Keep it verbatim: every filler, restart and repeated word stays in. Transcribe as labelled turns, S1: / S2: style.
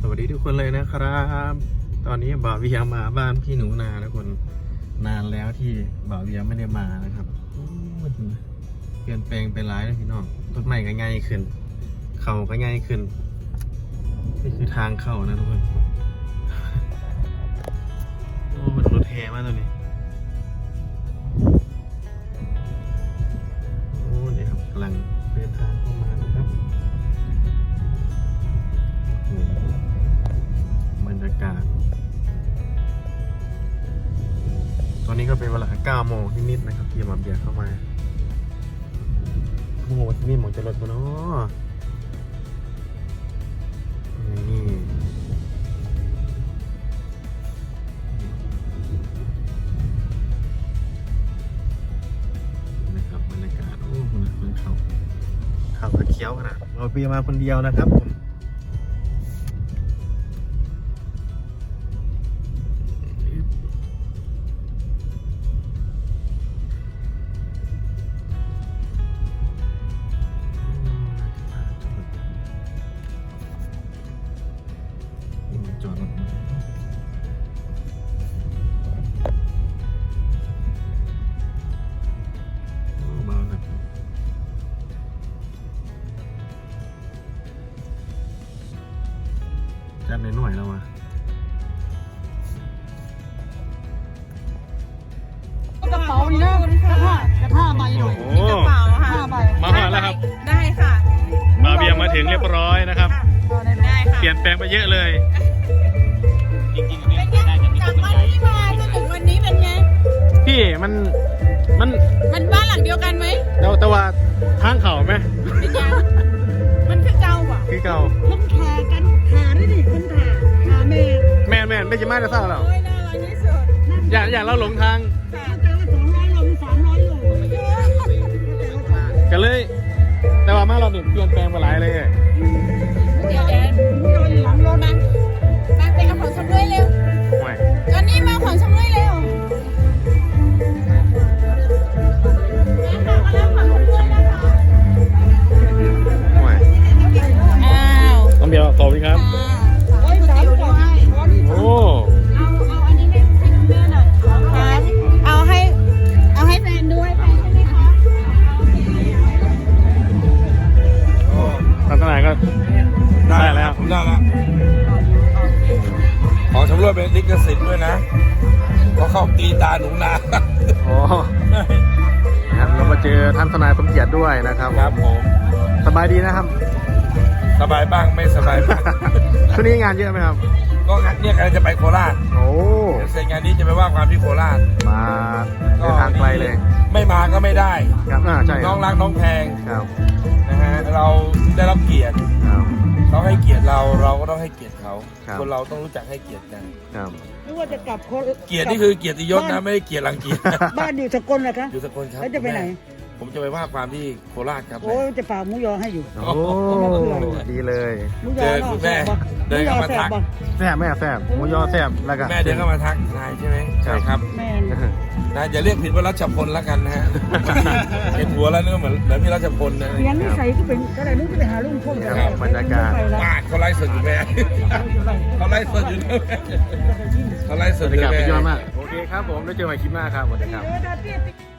S1: สวัสดีทุกคนเลยนะครับตอนนี้บ่าวเวียมาบ้านพี่หนูนาทุกคนนานแล้วที่บ่าวเวียไม่ได้มานะครับเปลี่ยนแปลงไปหลายเลยพี่น้องต้นไม้ก็ง่ายขึ้นเขาก็ง่ายขึ้นนี่คือทางเข้านะทุกคนโอ้มันรถแห่มากตัวนี้โอ้เนี่ยครับกำลังเดินทางเข้ามานะครับบรรยากาศตอนนี้ก็เป็นเวลาเก้าโมงนิดๆนะครับที่มาเบียร์เข้ามาโอ้โหที่นี่หมองจะรถบนเนาะนี่นะครับบรรยากาศโอ้โหนะมันเขาเขากระเคี้ยวขนาดเราเบียร์มาคนเดียวนะครับผมจอดรถเบาๆนะจัดหน่อยๆแล้ววะ
S2: กระเป๋านี่นะกระท่ากระท่าใบหน่อย
S1: มีกระเป๋า
S2: ห้าใบ
S1: มาหาแล้วครับ
S3: ได้ค่ะ
S1: มาเบียร์มาถึงเรียบร้อยนะครับ
S3: ได้ค่ะ
S1: เปลี่ยนแปลงไปเยอะเลยจริงๆ
S3: เป็นไงจากวันที่มาจนถึงวันนี้เป็นไง
S1: พี่มันมัน
S3: มันบ้านหลังเดียวกันไหม
S1: แต่แต่ว่าทางเขาไหม
S3: เป็นยังมันคือเก่าอ่ะ
S1: คือเก่า
S2: คนขากันขาด้วยดิคนขาขาแม่
S1: แม่นแม่นไม่ใช่มาจะเศร้าหรอก
S3: โอ้ยน่ารักที่สุด
S1: อย่าอย่าเราหลงทาง
S3: ค่ะ
S2: แต่ละสองร้อยโลสามร้อยโล
S1: กันเลย แต่ว่ามาเราเนี่ยเปลี่ยนแปลงไปหลายเลย
S3: เดี๋ยวเดี๋ยว
S2: ไม่โดนหลังรถ
S3: มามาไปเอาของชำร่วยเร็ว
S1: ห่วย
S3: ตอนนี้มาเอาของชำร่วยเร็วมาค่ะมารับของชำร่วยนะคะ
S1: ห่วย
S3: อ้าว
S1: ต้องเบียร์ขอบคุณครับ
S2: โอ้ยสามกว่าให้
S1: โอ้
S3: เอาเอาอันนี้ให้ให้คุณแม่หน่อยครับเอาให้เอาให้แฟนด้วยแฟนใช่ไหมคะ
S1: ทัศนายก็ได้แล้ว
S4: ได้แล้วขอชำรวยเป็นลิขสิทธิ์ด้วยนะเพราะเขาตีตาหนูนา
S1: โอ้นะครับเรามาเจอท่านทนายสมเกียรติด้วยนะครับ
S4: ครับผม
S1: สบายดีนะครับ
S4: สบายบ้างไม่สบายบ้าง
S1: ช่วงนี้งานเยอะไหมครับ
S4: ก็งั้นเนี่ยกำลังจะไปโคราช
S1: โอ้
S4: เดี๋ยวเสร็จงานนี้จะไปว่าความที่โคราช
S1: มาเดินทางไกลเลย
S4: ไม่มาก็ไม่ได้
S1: ครับอ่าใช่
S4: น้องรักน้องแพง
S1: ครับ
S4: นะฮะเราได้รับเกียรติ
S1: ครับ
S4: เขาให้เกียรติเราเราก็ต้องให้เกียรติเขา
S1: ครับ
S4: คนเราต้องรู้จักให้เกียรติกัน
S1: ครับ
S2: หรือว่าจะกลับโค
S4: เกียรตินี่คือเกียรติยศนะไม่ได้เกียรติรังเกียจ
S2: บ้านอยู่สกลนะคะ
S4: อยู่สกลครับ
S2: แล้วจะไปไหน
S4: ผมจะไปว่าความที่โคราชครับ
S2: โอ้ยจะฝากหมูยอให้อยู่
S1: โอ้ดีเลย
S2: หมูย
S4: เจ
S2: อ
S4: อคุณแม่เดินเข้ามาทัก
S1: แซ่บแม่แซ่บหมูยอแซ่บแล้วก็
S4: แม่เดินเข้ามาทักทายใช่ไหมใช่ครับ
S2: แม่
S4: นะอย่าเรียกผิดว่ารัชพลแล้วกันนะฮะ เห็นหัวแล้วนึกว่าเหมือนเหมือนพี่รัชพลนะ
S2: เลี้ยงนิสัยก็เป็นก็เลยนึกจะไปหาลุงพล
S1: บรรยากาศ
S4: ปาดเขาไล่สดอยู่แม่เขาไล่สดอยู่ด้วยแม่เขาไล่ส
S1: บร
S4: ด
S1: ร
S4: อยู่
S1: ยากาศ
S4: แม่
S1: เป็นยอดมากโอเคครับผมได้เจอกันคลิปหน้าครับสวัสดีครับ
S2: เออดาเตี้ย